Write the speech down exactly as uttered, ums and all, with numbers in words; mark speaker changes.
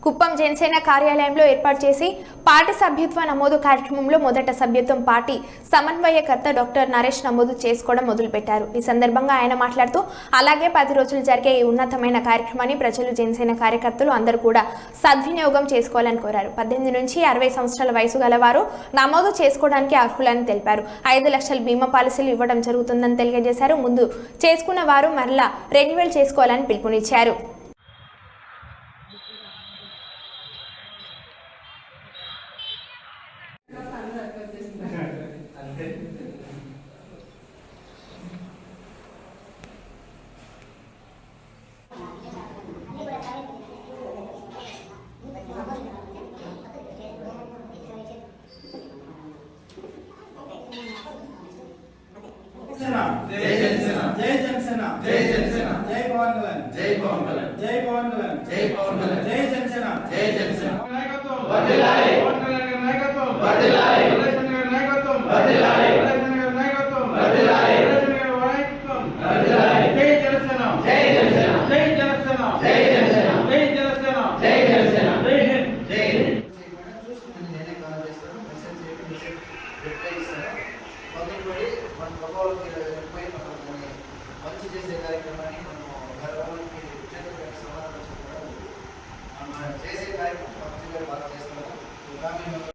Speaker 1: కుప్పం జనసేన కార్యాలయంలో ఏర్పాటు చేసి పార్టీ సభ్యత్వ నమోదు కార్యక్రమంలో మొదట సభ్యత్వం పార్టీ సమన్వయకర్త డాక్టర్ నరేష్ నమోదు చేసుకోవడం మొదలుపెట్టారు. ఈ సందర్భంగా ఆయన మాట్లాడుతూ అలాగే పది రోజులు జరిగే ఈ ఉన్నతమైన కార్యక్రమాన్ని ప్రజలు జనసేన కార్యకర్తలు అందరూ కూడా సద్వినియోగం చేసుకోవాలని కోరారు. పద్దెనిమిది నుంచి అరవై సంవత్సరాల వయసు గలవారు నమోదు చేసుకోవడానికి అర్హులని తెలిపారు. ఐదు లక్షల బీమా పాలసీలు ఇవ్వడం జరుగుతుందని తెలియజేశారు. ముందు చేసుకున్న వారు మరలా రెన్యువల్ చేసుకోవాలని పిలుపునిచ్చారు.
Speaker 2: जय जनसेना
Speaker 3: जय जनसेना
Speaker 2: जय जनसेना
Speaker 3: जय पवन कल्याण
Speaker 2: जय पवन कल्याण
Speaker 3: जय पवन कल्याण
Speaker 2: जय पवन कल्याण
Speaker 3: जय जनसेना
Speaker 2: जय जनसेना
Speaker 3: नायकत्व
Speaker 2: वर्धिल्लाలి
Speaker 3: पवन कल्याण का नायकत्व
Speaker 2: वर्धिल्लाలి
Speaker 3: कल्याण का नायकत्व
Speaker 2: वर्धिल्लाలి
Speaker 3: कल्याण का नायकत्व
Speaker 2: वर्धिल्लाలి
Speaker 3: कल्याण का नायकत्व
Speaker 2: वर्धिल्लाలి
Speaker 3: जय जनसेना
Speaker 2: जय जनसेना
Speaker 3: जय जनसेना
Speaker 2: जय जनसेना
Speaker 3: जय जनसेना
Speaker 2: जय जनसेना
Speaker 3: जय हिंद
Speaker 2: जय हिंद
Speaker 4: చూసుకుని నేనే కాల్ చేస్తాను. మెసేజ్ చేయండి, మెసేజ్ రిప్లై ఇస్తాను. మొదలుపడి మన ప్రభావాలకి పోయి మనం మంచి చేసే కార్యక్రమాన్ని మనం గర్వానికి ఉద్యోగానికి సమాధానం చెప్పడం మనం చేసే కార్యక్రమం మంచిగా బాగా చేస్తాము.